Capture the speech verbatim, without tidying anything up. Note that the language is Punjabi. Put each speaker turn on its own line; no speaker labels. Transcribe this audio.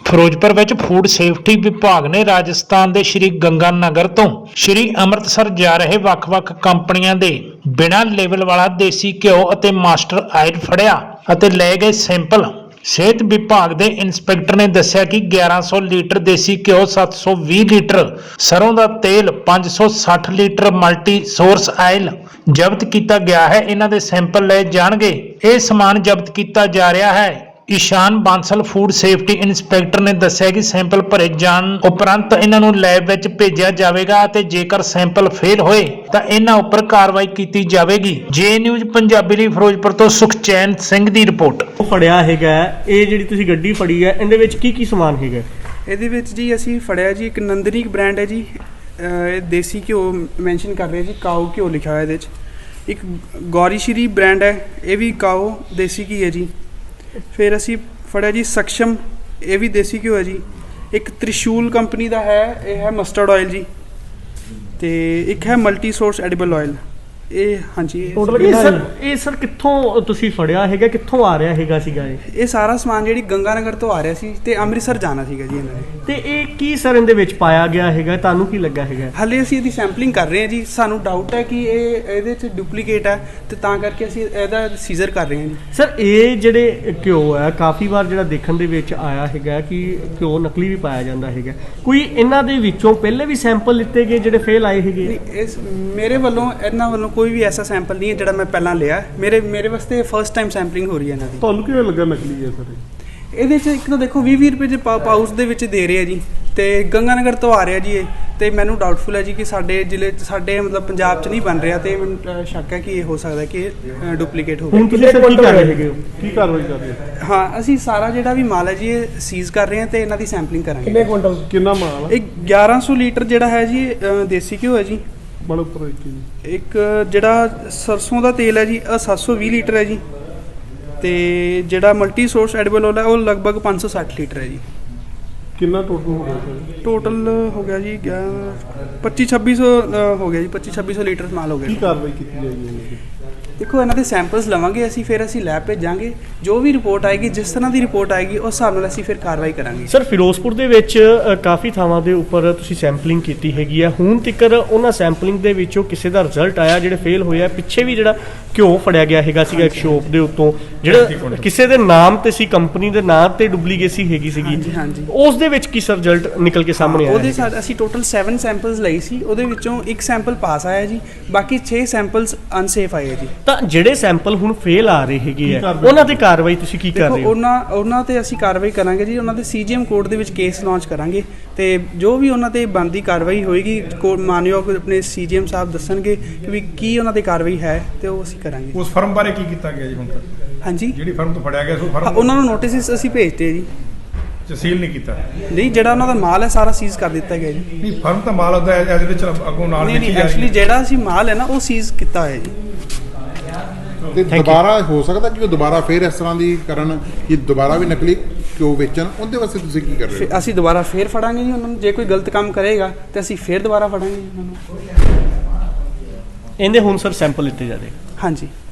ਫਿਰੋਜ਼ਪੁਰ ਵਿੱਚ ਫੂਡ ਸੇਫਟੀ ਵਿਭਾਗ ਨੇ ਰਾਜਸਥਾਨ ਦੇ ਸ਼੍ਰੀ ਗੰਗਾਨਗਰ ਤੋਂ ਸ਼੍ਰੀ ਅੰਮ੍ਰਿਤਸਰ ਜਾ ਰਹੇ ਵੱਖ-ਵੱਖ ਕੰਪਨੀਆਂ ਦੇ ਬਿਨਾਂ ਲੇਬਲ ਵਾਲਾ ਦੇਸੀ ਘਿਓ ਅਤੇ ਮਾਸਟਰ ਆਇਲ ਫੜਿਆ ਅਤੇ ਲਏ ਗਏ ਸੈਂਪਲ। ਸਿਹਤ ਵਿਭਾਗ ਦੇ ਇੰਸਪੈਕਟਰ ਨੇ ਦੱਸਿਆ ਕਿ ਗਿਆਰਾਂ ਸੌ ਲੀਟਰ ਦੇਸੀ ਘਿਓ, ਸੱਤ ਸੌ ਵੀਹ ਲੀਟਰ ਸਰੋਂ ਦਾ ਤੇਲ, ਪੰਜ ਸੌ ਸੱਠ ਲੀਟਰ ਮਲਟੀ ਸੋਰਸ ਆਇਲ ਜ਼ਬਤ ਕੀਤਾ ਗਿਆ ਹੈ। ਇਹਨਾਂ ਦੇ ਸੈਂਪਲ ਲਏ ਜਾਣਗੇ। ਇਹ ਸਮਾਨ ਜ਼ਬਤ ਕੀਤਾ ਜਾ ਰਿਹਾ ਹੈ। Ishaan Bansal food safety inspector ਨੇ ਦੱਸਿਆ ਕਿ ਸੈਂਪਲ ਭਰੇ ਜਾਣ ਉਪਰੰਤ ਇਹਨਾਂ ਨੂੰ ਲੈਬ ਵਿੱਚ ਭੇਜਿਆ ਜਾਵੇਗਾ ਅਤੇ ਜੇਕਰ ਸੈਂਪਲ ਫੇਲ ਹੋਏ ਤਾਂ ਇਹਨਾਂ ਉੱਪਰ ਕਾਰਵਾਈ ਕੀਤੀ ਜਾਵੇਗੀ। ਜੇ ਨਿਊਜ਼ ਪੰਜਾਬੀ ਲਈ ਫਿਰੋਜ਼ਪੁਰ ਤੋਂ ਸੁਖਚੈਨ ਸਿੰਘ ਦੀ ਰਿਪੋਰਟ।
ਫੜਿਆ ਹੈਗਾ ਇਹ ਜਿਹੜੀ ਤੁਸੀਂ ਗੱਡੀ ਫੜੀ ਹੈ, ਇਹਦੇ ਵਿੱਚ ਕੀ ਕੀ ਸਮਾਨ ਹੈਗਾ?
ਇਹਦੇ ਵਿੱਚ ਜੀ ਅਸੀਂ ਫੜਿਆ ਜੀ ਇੱਕ ਨੰਦਨੀ ਬ੍ਰਾਂਡ ਹੈ ਜੀ। ਇਹ ਦੇਸੀ ਘਿਓ ਮੈਂਸ਼ਨ ਕਰ ਰਿਹਾ ਜੀ, ਕਾਓ ਘਿਓ ਲਿਖਿਆ ਹੋਇਆ ਇਹਦੇ 'ਚ। ਇੱਕ ਗੌਰੀ ਸ਼੍ਰੀ ਬ੍ਰਾਂਡ ਹੈ, ਇਹ ਵੀ ਕਾਓ ਦੇਸੀ ਘੀ ਹੈ ਜੀ। ਫਿਰ ਅਸੀਂ ਫੜਿਆ ਜੀ ਸਕਸ਼ਮ, ਇਹ ਵੀ ਦੇਸੀ ਘਿਓ ਹੈ ਜੀ। ਇੱਕ ਤ੍ਰਿਸ਼ੂਲ ਕੰਪਨੀ ਦਾ ਹੈ, ਇਹ ਹੈ ਮਸਟਰਡ ਆਇਲ ਜੀ। ਤੇ ਇੱਕ ਹੈ ਮਲਟੀ ਸੋਰਸ ਐਡੀਬਲ ਆਇਲ। ਇਹ ਹਾਂਜੀ
ਇਹ ਸਰ ਇਹ ਸਰ ਕਿੱਥੋਂ ਤੁਸੀਂ ਫੜਿਆ ਹੈਗਾ, ਕਿੱਥੋਂ ਆ ਰਿਹਾ ਹੈਗਾ ਸੀਗਾ ਇਹ?
ਇਹ ਸਾਰਾ ਸਮਾਨ ਜਿਹੜੀ ਗੰਗਾਨਗਰ ਤੋਂ ਆ ਰਿਹਾ ਸੀ ਤੇ ਅੰਮ੍ਰਿਤਸਰ ਜਾਣਾ ਸੀਗਾ ਜੀ ਇਹਨਾਂ ਨੇ।
ਤੇ ਇਹ ਕੀ ਸਰ ਇਹਦੇ ਵਿੱਚ ਪਾਇਆ ਗਿਆ ਹੈਗਾ, ਤੁਹਾਨੂੰ ਕੀ ਲੱਗਾ ਹੈਗਾ?
ਹਾਲੇ ਅਸੀਂ ਇਹਦੀ ਸੈਂਪਲਿੰਗ ਕਰ ਰਹੇ ਹਾਂ ਜੀ। ਸਾਨੂੰ ਡਾਊਟ ਹੈ ਕਿ ਇਹ ਇਹਦੇ 'ਚ ਡੁਪਲੀਕੇਟ ਹੈ ਤੇ ਤਾਂ ਕਰਕੇ ਅਸੀਂ ਇਹਦਾ ਸੀਜ਼ਰ ਕਰ ਰਹੇ ਹਾਂ ਜੀ।
ਸਰ ਇਹ ਜਿਹੜੇ ਘਿਓ ਹੈ ਕਾਫੀ ਵਾਰ ਜਿਹੜਾ ਦੇਖਣ ਦੇ ਵਿੱਚ ਆਇਆ ਹੈਗਾ ਕਿ ਘਿਓ ਨਕਲੀ ਵੀ ਪਾਇਆ ਜਾਂਦਾ ਹੈਗਾ। ਕੋਈ ਇਹਨਾਂ ਦੇ ਵਿੱਚੋਂ ਪਹਿਲੇ ਵੀ ਸੈਂਪਲ ਲਿੱਤੇ ਗਏ ਜਿਹੜੇ ਫੇਲ ਆਏ ਹੈਗੇ?
ਇਸ ਮੇਰੇ ਵੱਲੋਂ ਇਹਨਾਂ ਵੱਲੋਂ ਕੋਈ ਵੀ ਐਸਾ ਸੈਂਪਲ ਨਹੀਂ ਹੈ ਜਿਹੜਾ ਮੈਂ ਪਹਿਲਾਂ ਲਿਆ। ਮੇਰੇ ਮੇਰੇ ਵਾਸਤੇ ਫਸਟ ਟਾਈਮ ਸੈਂਪਲਿੰਗ ਹੋ ਰਹੀ ਹੈ ਇਹਨਾਂ ਦੀ।
ਤੁਹਾਨੂੰ ਕਿਵੇਂ ਲੱਗਾ ਨਕਲੀ ਹੈ ਸਰ?
ਇਹਦੇ 'ਚ ਇੱਕ ਤਾਂ ਦੇਖੋ ਵੀਹ ਵੀਹ ਰੁਪਏ ਦੇ ਪਾਊਚ ਦੇ ਵਿੱਚ ਦੇ ਰਹੇ ਆ ਜੀ, ਤੇ ਗੰਗਾਨਗਰ ਤੋਂ ਆ ਰਿਹਾ ਜੀ ਇਹ। ਤੇ ਮੈਨੂੰ ਡਾਊਟਫੁਲ ਹੈ ਜੀ ਕਿ ਸਾਡੇ ਜ਼ਿਲ੍ਹੇ 'ਚ, ਸਾਡੇ ਮਤਲਬ ਪੰਜਾਬ 'ਚ ਨਹੀਂ ਬਣ ਰਿਹਾ, ਤੇ ਮੈਨੂੰ ਸ਼ੱਕ ਹੈ ਕਿ ਇਹ ਹੋ ਸਕਦਾ ਕਿ ਇਹ ਡੁਪਲੀਕੇਟ ਹੋਵੇ।
ਹੁਣ ਤੁਸੀਂ ਸਰ ਕੀ ਕਰ ਰਹੇ ਹੈਗੇ ਹੋ?
ਕੀ ਕਾਰਵਾਈ ਕਰ ਰਹੇ ਹੋ?
ਹਾਂ, ਅਸੀਂ ਸਾਰਾ ਜਿਹੜਾ ਵੀ ਮਾਲ ਹੈ ਜੀ ਇਹ ਸੀਜ਼ ਕਰ ਰਹੇ ਹਾਂ ਤੇ ਇਹਨਾਂ ਦੀ ਸੈਂਪਲਿੰਗ ਕਰਾਂਗੇ।
ਕਿੰਨੇ ਕੁਇੰਟਲ ਕਿੰਨਾ ਮਾਲ ਹੈ?
ਇਹ ਗਿਆਰਾਂ ਸੌ ਲੀਟਰ ਜਿਹੜਾ ਹੈ ਜੀ ਦੇਸੀ ਘਿਓ ਹੈ ਜੀ।
ਬੜਾ ਉੱਪਰ ਇੱਕ
ਇੱਕ ਜਿਹੜਾ ਸਰਸੋਂ ਦਾ ਤੇਲ ਹੈ ਜੀ, ਇਹ ਸੱਤ ਸੌ ਵੀਹ ਲੀਟਰ ਹੈ ਜੀ। ਤੇ ਜਿਹੜਾ ਮਲਟੀ ਸੋਰਸ ਐਡੀਬਲ ਆਇਲ ਹੈ ਉਹ ਲਗਭਗ ਪੰਜ ਸੌ ਸੱਠ ਲੀਟਰ ਹੈ ਜੀ।
ਕਿੰਨਾ ਟੋਟਲ ਹੋ ਗਿਆ ਸਰ?
ਟੋਟਲ ਹੋ ਗਿਆ ਜੀ ਪੱਚੀ ਛੱਬੀ ਸੌ ਹੋ ਗਿਆ ਜੀ। ਪੱਚੀ ਛੱਬੀ ਸੌ ਲੀਟਰ ਮਾਲ ਹੋ ਗਿਆ।
ਕੀ ਕਾਰਵਾਈ ਕੀਤੀ ਜਾਏਗੀ ਇਹਨਾਂ ਦੀ?
ਦੇਖੋ ਇਹਨਾਂ ਦੇ ਸੈਂਪਲਸ ਲਵਾਂਗੇ ਅਸੀਂ, ਫਿਰ ਅਸੀਂ ਲੈਬ ਭੇਜਾਂਗੇ। ਜੋ ਵੀ ਰਿਪੋਰਟ ਆਏਗੀ, ਜਿਸ ਤਰ੍ਹਾਂ ਦੀ ਰਿਪੋਰਟ ਆਏਗੀ ਉਸ ਹਿਸਾਬ ਨਾਲ ਅਸੀਂ ਫਿਰ ਕਾਰਵਾਈ ਕਰਾਂਗੇ।
ਸਰ ਫਿਰੋਜ਼ਪੁਰ ਦੇ ਵਿੱਚ ਕਾਫੀ ਥਾਵਾਂ ਦੇ ਉੱਪਰ ਤੁਸੀਂ ਸੈਂਪਲਿੰਗ ਕੀਤੀ ਹੈਗੀ ਆ, ਹੁਣ ਤੱਕ ਉਹਨਾਂ ਸੈਂਪਲਿੰਗ ਦੇ ਵਿੱਚੋਂ ਕਿਸੇ ਦਾ ਰਿਜ਼ਲਟ ਆਇਆ ਜਿਹੜੇ ਫੇਲ ਹੋਇਆ? ਪਿੱਛੇ ਵੀ ਜਿਹੜਾ ਘਿਓ ਫੜਿਆ ਗਿਆ ਹੈਗਾ ਸੀਗਾ ਇੱਕ ਸ਼ੋਪ ਦੇ ਉੱਤੋਂ, ਜਿਹੜਾ ਕਿਸੇ ਦੇ ਨਾਮ ਤੇ ਸੀ, ਕੰਪਨੀ ਦੇ ਨਾਮ ਤੇ ਡੁਪਲੀਕੇਸੀ ਹੈਗੀ ਸੀਗੀ,
ਹਾਂਜੀ ਹਾਂਜੀ,
ਉਸ ਦੇ ਵਿੱਚ ਕੀ ਸਰ ਰਿਜ਼ਲਟ ਨਿਕਲ ਕੇ ਸਾਹਮਣੇ ਆਇਆ?
ਉਹਦੇ ਸਾਥ ਅਸੀਂ ਟੋਟਲ ਸੱਤ ਸੈਂਪਲਸ ਲਈ ਸੀ, ਉਹਦੇ ਵਿੱਚੋਂ ਇੱਕ ਸੈਂਪਲ ਪਾਸ ਆਇਆ ਜੀ, ਬਾਕੀ ਛੇ ਸੈਂਪਲਸ ਅਨਸੇਫ ਆਏ ਜੀ।
ਤਾਂ ਜਿਹੜੇ ਸੈਂਪਲ ਹੁਣ ਫੇਲ ਆ ਰਹੇ ਹੈਗੇ ਆ, ਉਹਨਾਂ ਤੇ ਕਾਰਵਾਈ ਤੁਸੀਂ ਕੀ ਕਰ ਰਹੇ ਹੋ?
ਉਹਨਾਂ ਉਹਨਾਂ ਤੇ ਅਸੀਂ ਕਾਰਵਾਈ ਕਰਾਂਗੇ ਜੀ। ਉਹਨਾਂ ਦੇ ਸੀਜੀਐਮ ਕੋਰਟ ਦੇ ਵਿੱਚ ਕੇਸ ਲਾਂਚ ਕਰਾਂਗੇ ਤੇ ਜੋ ਵੀ ਉਹਨਾਂ ਤੇ ਬਣਦੀ ਕਾਰਵਾਈ ਹੋਏਗੀ, ਮਾਨਯੋਗ ਆਪਣੇ ਸੀਜੀਐਮ ਸਾਹਿਬ ਦੱਸਣਗੇ ਕਿ ਵੀ ਕੀ ਉਹਨਾਂ ਤੇ ਕਾਰਵਾਈ ਹੈ ਤੇ ਉਹ ਅਸੀਂ ਕਰਾਂਗੇ।
ਉਸ ਫਰਮ ਬਾਰੇ ਕੀ ਕੀਤਾ ਗਿਆ ਜੀ ਹੁਣ ਤੱਕ?
ਹਾਂਜੀ,
ਜਿਹੜੀ ਫਰਮ ਤੋਂ ਫੜਿਆ ਗਿਆ ਸੋ ਫਰਮ
ਉਹਨਾਂ ਨੂੰ ਨੋਟਿਸ ਅਸੀਂ ਭੇਜਤੇ ਜੀ।
ਸੀਲ ਨਹੀਂ ਕੀਤਾ?
ਨਹੀਂ, ਜਿਹੜਾ ਉਹਨਾਂ ਦਾ ਮਾਲ ਹੈ ਸਾਰਾ ਸੀਜ਼ ਕਰ ਦਿੱਤਾ ਗਿਆ ਜੀ।
ਨਹੀਂ, ਫਰਮ ਤਾਂ ਮਾਲ ਉਹਦਾ ਇਹਦੇ ਵਿੱਚ ਅੱਗੋਂ ਨਾਲ
ਨਹੀਂ ਨਹੀਂ, ਐਕਚੁਅਲੀ ਜਿਹੜਾ ਅਸੀਂ ਮਾਲ ਹੈ ਨਾ ਉਹ ਸੀਜ਼ ਕੀਤਾ ਹੋਇਆ ਜੀ।
ਤੇ ਦੁਬਾਰਾ ਹੋ ਸਕਦਾ ਕਿ ਉਹ ਦੁਬਾਰਾ ਫੇਰ ਇਸ ਤਰ੍ਹਾਂ ਦੀ ਕਰਨ ਕਿ ਦੁਬਾਰਾ ਵੀ ਨਕਲੀ ਘਿਓ ਵੇਚਣ, ਉਹਦੇ ਵਾਸਤੇ ਤੁਸੀਂ ਕੀ ਕਰ ਰਹੇ ਹੋ?
ਅਸੀਂ ਦੁਬਾਰਾ ਫੇਰ ਫੜਾਂਗੇ ਜੀ ਉਹਨਾਂ ਨੂੰ। ਜੇ ਕੋਈ ਗਲਤ ਕੰਮ ਕਰੇਗਾ ਤੇ ਅਸੀਂ ਫੇਰ ਦੁਬਾਰਾ ਫੜਾਂਗੇ ਜੀ ਉਹਨਾਂ ਨੂੰ।
ਇਹਦੇ ਹੁਣ ਸਰ ਸੈਂਪਲ ਲਿੱਤੇ ਜਾਦੇ?
ਹਾਂਜੀ।